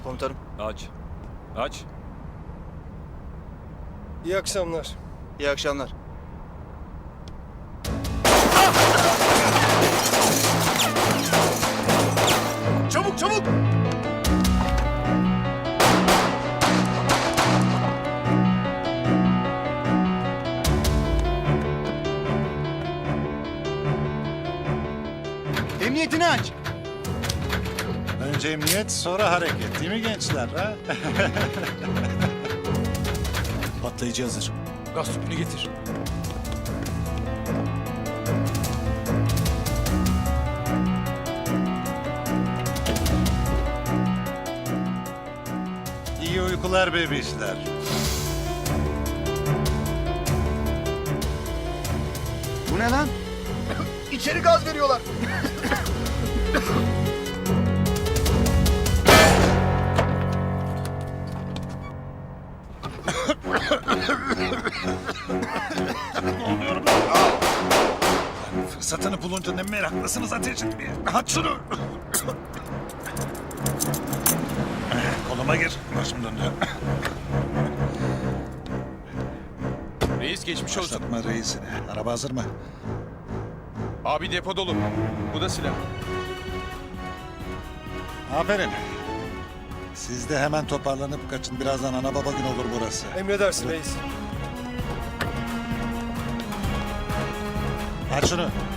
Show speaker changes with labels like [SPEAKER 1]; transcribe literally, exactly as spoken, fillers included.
[SPEAKER 1] Komutanım.
[SPEAKER 2] Aç. Aç.
[SPEAKER 3] İyi akşamlar.
[SPEAKER 1] İyi akşamlar.
[SPEAKER 3] Çabuk çabuk!
[SPEAKER 1] Emniyetini aç.
[SPEAKER 4] Önce emniyet, sonra hareket. Değil mi gençler? Ha?
[SPEAKER 2] Patlayıcı hazır. Gaz tüpünü getir.
[SPEAKER 4] İyi uykular bebişler.
[SPEAKER 1] Bu ne lan? İçeri gaz veriyorlar.
[SPEAKER 4] Fırsatını bulunca ne meraklısınız ateş etmeye. At şunu. Koluma gir. Başım döndü.
[SPEAKER 2] Reis geçmiş olsun.
[SPEAKER 4] Başlatma reisini. Araba hazır mı?
[SPEAKER 2] Abi depo dolu. Bu da silah.
[SPEAKER 4] Aferin. Siz de hemen toparlanıp kaçın. Birazdan ana baba gün olur burası.
[SPEAKER 3] Emredersin reis.
[SPEAKER 4] Aç şunu.